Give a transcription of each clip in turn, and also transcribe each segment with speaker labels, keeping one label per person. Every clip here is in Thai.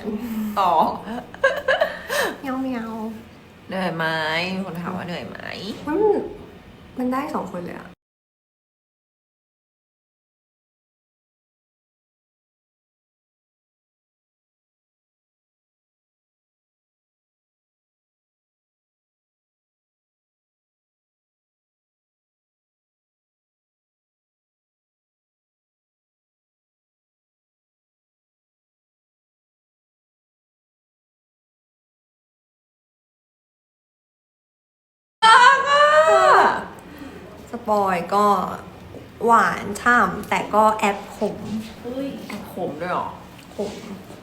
Speaker 1: ต่อ
Speaker 2: เมียวเมียว
Speaker 1: เหนื่อยไหมมีคนถามว่าเหนื่อยไหม
Speaker 2: มันได้2 คนเลยอะสปอยก็หวานฉ่ำแต่ก็แอบขม
Speaker 1: เฮ้ยแอบขมด้วยเหรอ
Speaker 2: ขม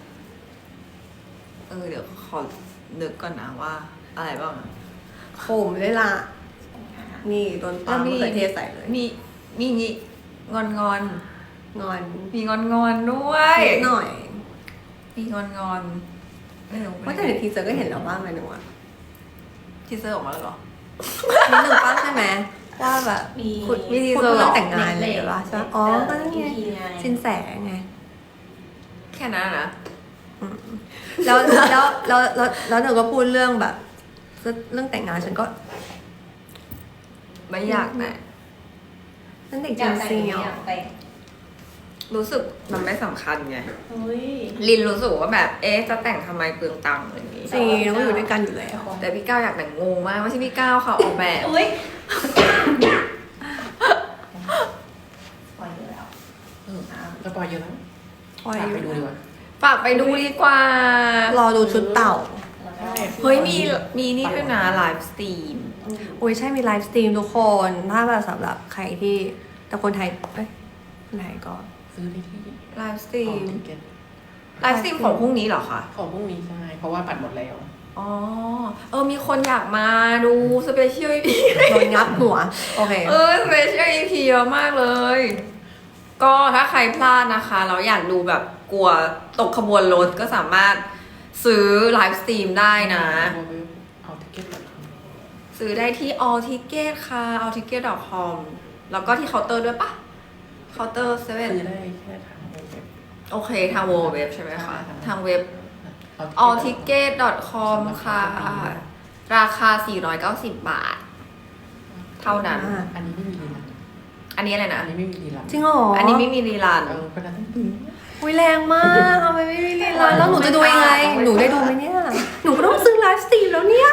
Speaker 1: เดี๋ยวขอนึกก่อนนะว่าอะไรบ้างอะ
Speaker 2: ขมเลยล่ะ นี่โดนปลามะเขือเทศใส่เลย
Speaker 1: มีงี้งอน
Speaker 2: งอน
Speaker 1: มีงอนด้วย
Speaker 2: นิดหน่อย
Speaker 1: มีงอนไม่รู้
Speaker 2: ว่าแต่ในทีเซอร์ก็เห็นแล้วว่าเมนูอะ
Speaker 1: ทีเซอร์ออกมาแล้วเหรอ
Speaker 2: นิดหนึ่งป้าใช่ไหมว่าแบบ
Speaker 3: มี
Speaker 2: พูด
Speaker 1: มีที
Speaker 2: พูด
Speaker 1: เซอร์
Speaker 2: เรื่อง
Speaker 1: เหรอ
Speaker 2: แต่งงานเลยป่ะใช่ปะอ๋อก็นั่นไง
Speaker 3: ไง
Speaker 2: สินแสไง
Speaker 1: แค่นั้นนะ
Speaker 2: แล้วหนูก็พูดเรื่องแบบ เรื่องแต่งงานฉันก็
Speaker 1: ไม่อยากแต่
Speaker 2: นั่นเด็ก
Speaker 3: อ
Speaker 2: จริ
Speaker 3: ยาง กแต่ง
Speaker 2: ซี
Speaker 3: อยากแต่ง
Speaker 1: รู้สึกมันไม่สำคัญไง
Speaker 3: เฮ้ย
Speaker 1: ลินรู้สึกว่าแบบจะแต่งทำไมเปลืองตังค์อะไรอย่างงี้
Speaker 2: จริงเราก็อยู่ด้วยกันอยู่แล้ว
Speaker 1: แต่พี่ก้าวอยากแต่งงงมากไม่ใช่พี่ก้าวค่ะออกแบบ
Speaker 3: เฮ้ยปล่อยอยู่แล้ว
Speaker 4: สปอยเยอะแล้ว
Speaker 2: ปล่อย
Speaker 4: ฝาก
Speaker 2: อยู่
Speaker 4: ไปดูดีกว่า
Speaker 1: ฝากไปดูดีกว่า
Speaker 2: รอดูชุดเต่า
Speaker 3: แล้วก็
Speaker 1: เฮ้ยมีนี่ด้วยนะไลฟ์สตรีม
Speaker 2: อุ้ยใช่มีไลฟ์สตรีมทุกคน ถ้าแบบสำหรับใครที่แต่คนไทยเอ้ยคนไทยก็
Speaker 4: ซื้อได้ที่
Speaker 1: ไลฟ์สตรี
Speaker 4: ของ
Speaker 1: ม
Speaker 4: ติเก็ต
Speaker 1: ไลฟ์สตรีมของพรุ่งนี้เหรอคะ
Speaker 4: ของพรุ่งนี้ใช่เพราะว่าบัตรหมดแล้ว
Speaker 1: อ๋อมีคนอยากมาดูสเปเชียลอีพี
Speaker 2: โดนงับหัว โอเค
Speaker 1: สเปเชียลอีพีเยอะมากเลย ก็ถ้าใครพลาดนะคะเราอยากดูแบบกลัวตกขบวนรถก็สามารถซื้อไลฟ์สตรีมได้นะ
Speaker 4: เอาติเก็ต
Speaker 1: ซื้อได้ที่ all ticket ค่ะ all ticket.com แล้วก็ที่เคาน์เตอร์ด้วยปะเคาน์เตอร์เซเว่น
Speaker 4: ซื้อได้แค่ทางเว็บ
Speaker 1: โอเคทางเว็บใช่ไหมคะ
Speaker 4: ใช่
Speaker 1: ทางเว็บ
Speaker 4: เอา
Speaker 1: all ticket.com ค่ะ ราคา 490 บาท เท่านั้น
Speaker 4: อันนี้ไม่มีรีลัน
Speaker 1: อันนี้อะไรนะ
Speaker 4: อันนี้ไม่มีรีลัน
Speaker 2: จริงเหรอ
Speaker 1: อั
Speaker 2: อั
Speaker 1: นนี้ไม่มีรีลัน
Speaker 4: คนนั้นต้องดู
Speaker 2: อุ้ยแรงมากทำไมไม่มีลีลาแล้วหนูจะดูยังไง หนูได้ดูไหมเนี่ย หนูก็ต้องซื้อไลฟ์สตรีมแล้วเนี่ย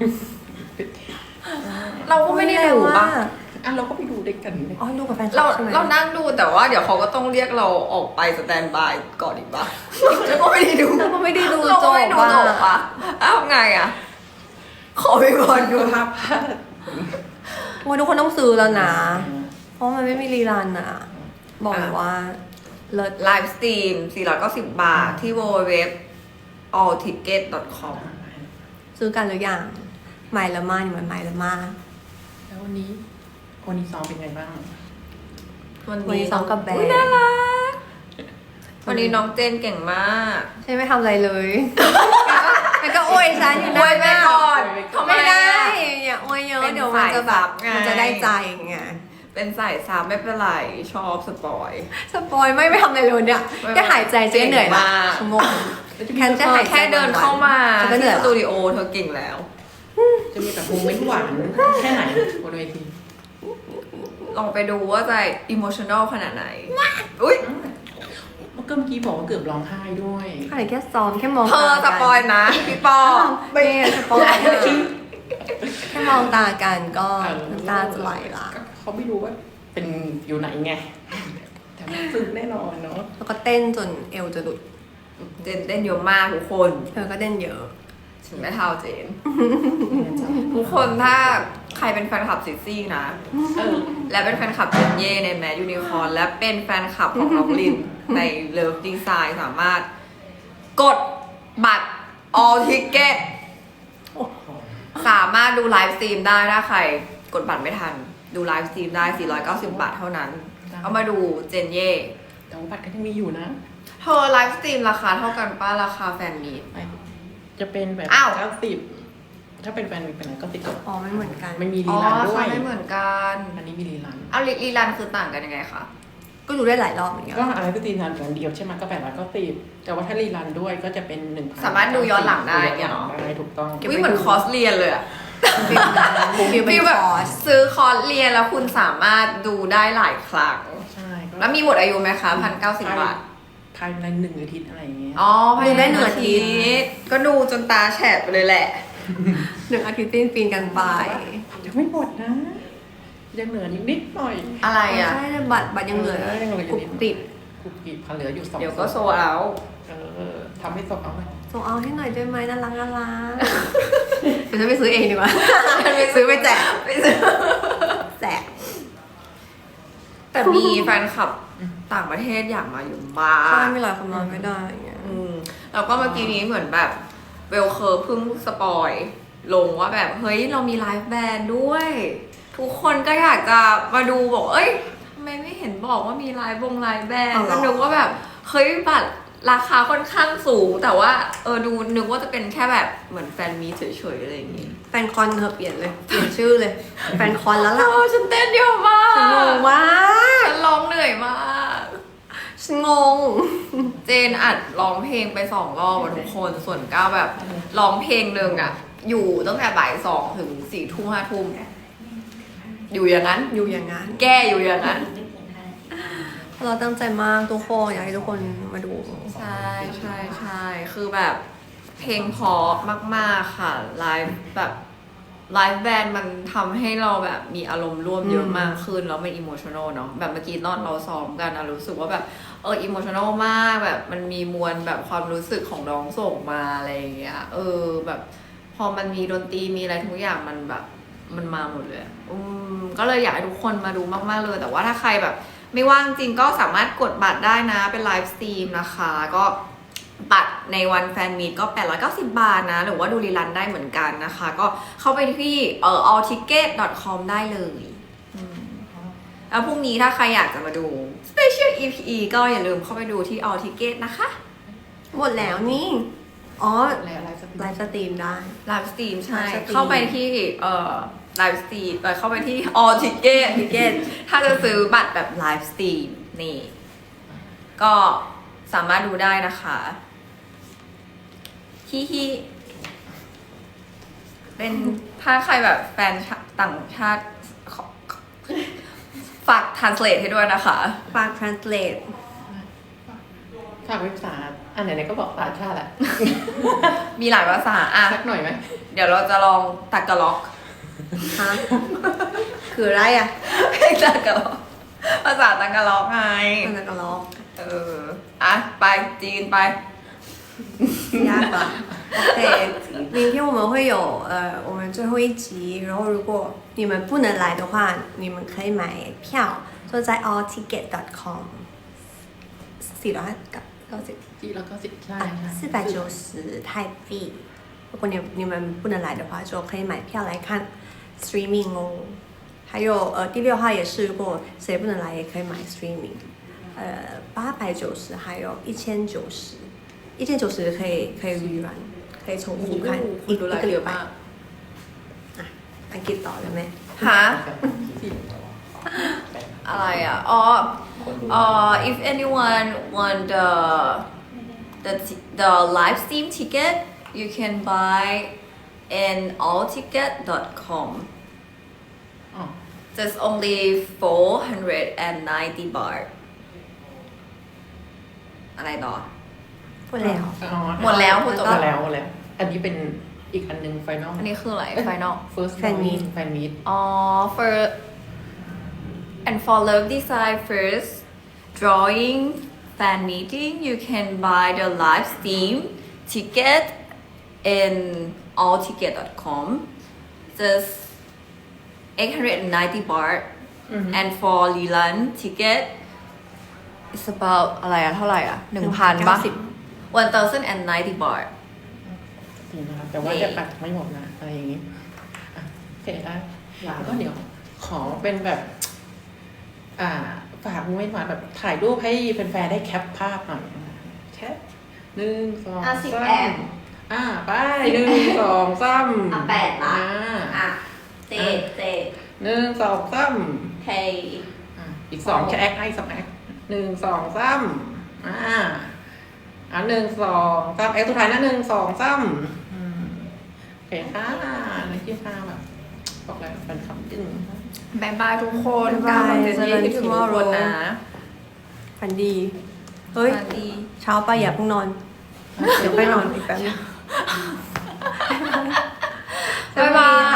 Speaker 1: เราก็ไม่ได้ดูปะ
Speaker 4: อ่ะเราก็ไปดูด้วยกันเลย
Speaker 2: อ๋อดูกับแฟนคลั
Speaker 1: เรา
Speaker 2: บใช่ไหม
Speaker 1: เรานั่งดูแต่ว่าเดี๋ยวเขาก็ต้องเรียกเราออกไปสแตนบายก่อนอีกปะเราก็ไม่ได้ดู
Speaker 2: เราก็ไม่ได้ดู
Speaker 1: เรา
Speaker 2: จ
Speaker 1: ก็
Speaker 2: บ
Speaker 1: ไม่ดูจบ
Speaker 2: อ่ะ
Speaker 1: ปะอ้าวไงอ่ะ ขอไปก่อนดู
Speaker 4: ภาพ
Speaker 2: โอ้ยทุกคนต้องซื้อแล้วนะ เพราะมันไม่มีรีลันอ่ะ บอกเลยว่าเลิศ
Speaker 1: ไลฟ์สตรีม 490 บาท ที่ www allticket.com
Speaker 2: ซื้อกันหรือยังไมล์ละมานี่มันไมล์ละมา
Speaker 4: แล้ววันนี้ซ้อมเป็นไงบ้าง
Speaker 1: วัน
Speaker 2: วัน
Speaker 1: นี้
Speaker 2: นี้ซ้อมกับแบร
Speaker 1: อุ๊ย
Speaker 2: น
Speaker 1: น่า
Speaker 2: ด์
Speaker 1: รักวันนี้น้องเจนเก่งมาก
Speaker 2: ใช่ไม่ทำอะไรเลย แล้วก็อวยฉันอยู่
Speaker 1: อวยไปก่อนทำไม
Speaker 2: ไม่ได้
Speaker 1: อะ
Speaker 2: อย่าอวยเยอะ
Speaker 1: เป็น
Speaker 2: เดี๋ยวมันจะแบบ
Speaker 1: สายซับไง
Speaker 2: มันจะได้ใจไง
Speaker 1: เป็นสายซับไม่เป็นไร ชอบสปอย
Speaker 2: สปอยไม่ทำอะไรเลยเนี่ยแค่หายใจเจ๊เหนื่อยละ
Speaker 1: เก่งมาก
Speaker 2: ชั่วโมงแค่จะหายใจ
Speaker 1: แค่เดินเข้ามา
Speaker 2: ฉันก็เหนื่
Speaker 1: ที่
Speaker 2: อย
Speaker 1: ส
Speaker 2: ละ
Speaker 1: ตูดิโอเธอเก่งแล้ว
Speaker 4: จะมีแบบโมเมนต์หวานแค่ไหนบนเวที
Speaker 1: ลองไปดูว่าจะอิโมชัน a ลขนาดไหน อุ้ย
Speaker 4: เมื่อกี้บอกว่าเกือบร้องไห้ด้วย
Speaker 2: ขนาดแค่ซ้อมแค่มอง
Speaker 1: เธอส
Speaker 2: ตา
Speaker 1: ปอยนะ พี่ปอ
Speaker 2: ไม่สปอยแค่มองตากันก็น้ำตาจะไหลละ
Speaker 4: เขาไม่รู้ว่าเป็นอยู่ไหนไง แต่มันซึ้งแน่นอนเนาะ
Speaker 2: แล้วก็เต้นจนเอวจะหลุด
Speaker 1: เจนเต้นเยอะมากทุกคน
Speaker 2: เธอก็เต้นเยอะ
Speaker 1: ฉันไม่เท่าเจน ทุกคนถ้าใครเป็นแฟนคลับซิซี่นะ และเป็นแฟนคลับเจนเย่ในแม ยูนิคอร์นและเป็นแฟนคลับของน้องลิน ในเลิฟดีไซน์สามารถกดบัตร all ticket สามารถดูไลฟ์สตรีมได้ถ้าใครกดบัตรไม่ทัน ดูไลฟ์สตรีมได้ 490 บาทเท่านั้น เอามาดูเจนเย่
Speaker 4: แต่ว่าบัตรก็ยังมีอยู่นะ
Speaker 1: เธอไลฟ์สตรีมราคาเท่ากันป้าราคาแฟนมีต
Speaker 4: จะเป็นแบบ
Speaker 1: อ้าว
Speaker 4: 90ถ้าเป็นแฟนมีเป็นนั้นก็ติดกับ
Speaker 2: อ๋อไม่เหมือนกัน
Speaker 4: ไม่มี
Speaker 1: อ๋
Speaker 4: รี
Speaker 1: อ
Speaker 4: ลันด้
Speaker 1: รา
Speaker 4: ว
Speaker 1: คาย ไม่เหมือนกัน
Speaker 4: อันนี้มีรีลัน
Speaker 1: เอาลีลันคือต่างกันยังไงคะ
Speaker 2: ก็ดูได้หลายรอบเหมือนกัน
Speaker 4: ก็อะไรก็ตีนานอย่างเดียวใช่ไหมก็890แต่ว่าถ้ารีรันด้วยก็จะเป็น1,000
Speaker 1: สามารถดูย้อนหลังได้
Speaker 4: ย้อนหลัง
Speaker 1: เนาะ
Speaker 4: ได้ถูกต้อง
Speaker 1: วิเหมือนคอร์สเรียนเลยอะ
Speaker 2: ฟิลนั้นฟิลเป็น
Speaker 1: ฟีล
Speaker 2: ค
Speaker 1: แบบ
Speaker 2: อร์ส
Speaker 1: ซื้อคอร์สเรียนแล้วคุณสามารถดูได้หลายครั้ง
Speaker 4: ใช่ก็
Speaker 1: แล้วมีหมดอายุไหมคะ1,090 บาท
Speaker 4: ภายใน1 อาทิตย์อะไรอย่างเงี้ย
Speaker 1: อ๋อ
Speaker 2: ดูได้1 อาทิตย์
Speaker 1: ก็ดูจนตาแฉะไปเลยแหละ
Speaker 2: 1 อาทิตย์ปีนกันไป
Speaker 4: ยังไม่หมดนะ ยังเหลืออีกนิดหน่อย
Speaker 1: อะไรอ่ะ
Speaker 2: ใช่แต่บัตรยังเหลือ
Speaker 4: ยังเหลืออยู่
Speaker 2: กรุบกริบ
Speaker 4: กรุบกริบเหลืออยู่2
Speaker 1: เดี๋ยวก็โซเอา
Speaker 4: ทำให้ตกเอาไหม
Speaker 2: ส่งเอาให้หน่อยได้ไหมน่ารักน่ารักเดี๋ยวฉันไปซื้อเองดีกว่า ซื้อไปแจก
Speaker 1: ไปซื้อ
Speaker 2: แจก
Speaker 1: แต่มีแฟนคลับต่างประเทศอยากมาอยู่บ้า
Speaker 2: ใช่
Speaker 1: ง
Speaker 2: มีหลายคนมาไม่ได้อย่างเงี้ย
Speaker 1: แล้วก็เมื่อกี้นี้เหมือนแบบเวลเคอร์เพิ่งสปอยลงว่าแบบเฮ้ยเรามีไลฟ์แบนด์ด้วย ทุกคนก็อยากจะมาดูบอกเอ้ยทำไมไม่เห็นบอกว่ามีไลฟ์ไลฟ์แบนด์ก็นึกว่าแบบเฮ้ยบัตรราคาค่อนข้างสูง แต่ว่าดูนึกว่าจะเป็นแค่แบบเหมือนแฟนมีเฉยๆอะไรอย่างงี้
Speaker 2: แฟนคอนเธอเปลี่ยนเลย เปลี่ยนชื่อเลย แฟนคอนแล้วล่ะ
Speaker 1: ฉันเต้นเยอะมาก
Speaker 2: ฉันงงมาก
Speaker 1: ฉันร้องเหนื่อยมาก
Speaker 2: ฉันงง
Speaker 1: เจนอัดร้องเพลงไป2 รอบอะทุกคนส่วนก้าวแบบร้องเพลงหนึ่งอะอยู่ตั้งแต่บ่าย 2 ถึง 4 ทุ่ม 5 ทุ่มอยู่อย่างนั้น
Speaker 2: อยู่อย่างนั้น
Speaker 1: แก้อยู่อย่างนั้น
Speaker 2: เราตั้งใจมากทุกคนอยากให้ทุกคนมาดู
Speaker 1: ใช่ใช่ใช่คือแบบเพลงเพราะมากๆค่ะไลฟ์แบบไลฟ์แบนด์มันทำให้เราแบบมีอารมณ์ร่วมเยอะมากขึ้นแล้วมันอิโมชัน a ลเนาะแบบเมื่อกี้ตอนเราซ้อมกันอะรู้สึกว่าแบบอิโมชัน a ลมากแบบมันมีมวลแบบความรู้สึกของน้องส่งมาอะไรอย่างเงี้ยแบบพอมันมีดนตรีมีอะไรทุกอย่างมันแบบมันมาหมดเลยก็เลยอยากให้ทุกคนมาดูมากๆเลยแต่ว่าถ้าใครแบบไม่ว่างจริงก็สามารถกดบัตรได้นะเป็นไลฟ์สตรีมนะคะก็บัตรในวันแฟนมีตก็890 บาทนะหรือว่าดูรีลันได้เหมือนกันนะคะก็เข้าไปที่allticket.com ได้เลยแล้วพรุ่งนี้ถ้าใครอยากจะมาดู Special EP ก็อย่าลืมเข้าไปดูที่ allticket นะคะ
Speaker 2: หมดแล้วนี่ อ๋อ
Speaker 4: แล้วอะไรสัก
Speaker 2: ไลฟ์สตรีมได้
Speaker 1: ไลฟ์สตรีมใช่
Speaker 2: ไลฟ์สตรีม
Speaker 1: เข้าไปที่ไลฟ์สตรีมเข้าไปที่ allticket ถ้าจะซื้อบัตรแบบไลฟ์สตรีมนี่ ก็สามารถดูได้นะคะฮิเป็นถ้าใครแบบแฟนต่างชาติฝาก translate ให้ด้วยนะคะ
Speaker 2: ฝาก translate
Speaker 4: ฝากเว็บไซต์ไหนๆก็บอกต่างชาติแหละ
Speaker 1: มีหลายภาษาอ่ะ
Speaker 4: สักหน่อยไหม
Speaker 1: เดี๋ยวเราจะลองตากะล็อก
Speaker 2: ฮะ คืออะไรอ่ะ
Speaker 1: ตากะล็อกภาษาตากะล็อกไง
Speaker 2: มันจะกระลอก
Speaker 1: อ่ะ ไปจีนไป
Speaker 2: ยาก吧？OK，明天我们会有我们最后一集，然后如果你们不能来的话，你们可以买票，就在 allticket.com，490，
Speaker 4: จีแล้วก็10ใช่
Speaker 2: 490泰币。如果你们不能来的话，就可以买票来看 streaming 哦。还有第6号也是，如果谁不能来也可以买 streaming，890，还有1090，1090可以预览，可以重复看一个礼拜。อังกฤษต่อเลยไหม
Speaker 1: ฮะ อะไรอ่ะ if anyone want the live stream ticket you can buy in allticket.com
Speaker 4: อ๋อ
Speaker 1: just only 490 baht อะไรต่อ
Speaker 2: พูดแล้ว
Speaker 1: หมดแล้วพูดจบ
Speaker 4: หม
Speaker 1: แล้ว
Speaker 4: ดแล้วอันนี้เป็นอีกอันหนึง final
Speaker 1: อันนี้คืออะไร final
Speaker 4: first
Speaker 2: Fan meet
Speaker 4: fan meet
Speaker 1: for love design first drawing fan meeting you can buy the live stream ticket in allticket.com just 890 baht and for Lilan ticket it's about อะไรอะเท่าไหร่อะ 1,000 ป่ะ 1,090 baht
Speaker 4: จริงนะครับแต่ว่าจะตัดไม่หมดนะอะไรอย่างงี้อ่ะโอเคได้แล้วก็เดี๋ยวขอเป็นแบบ ฝากไม่มาแบบถ่ายรูปให้แฟนๆได้แคปภาพหน่อยแคป1 2
Speaker 1: 10
Speaker 4: 3ไป1 2 3
Speaker 1: 8 ละเจ็ด
Speaker 4: 1 2 3
Speaker 1: เฮ้ย
Speaker 4: อีก2แค่แอคให้สักแอค1 1 2 31 2 3สุดท้ายนะ1 2 3โอเคค่ะนักกีฬาแบบบอกแล้วแฟนคลับจริง
Speaker 1: บายบายทุกคน
Speaker 2: บ๊ายบาย
Speaker 1: เจนนี่คิดถึงทุกคนนะ
Speaker 2: ฝันดี เฮ้ย
Speaker 1: สวัสดี
Speaker 2: เช้าไปอย่าเพิ่งนอน เดี๋ยวไปนอนอีกแป๊บนึง
Speaker 1: บ๊ายบาย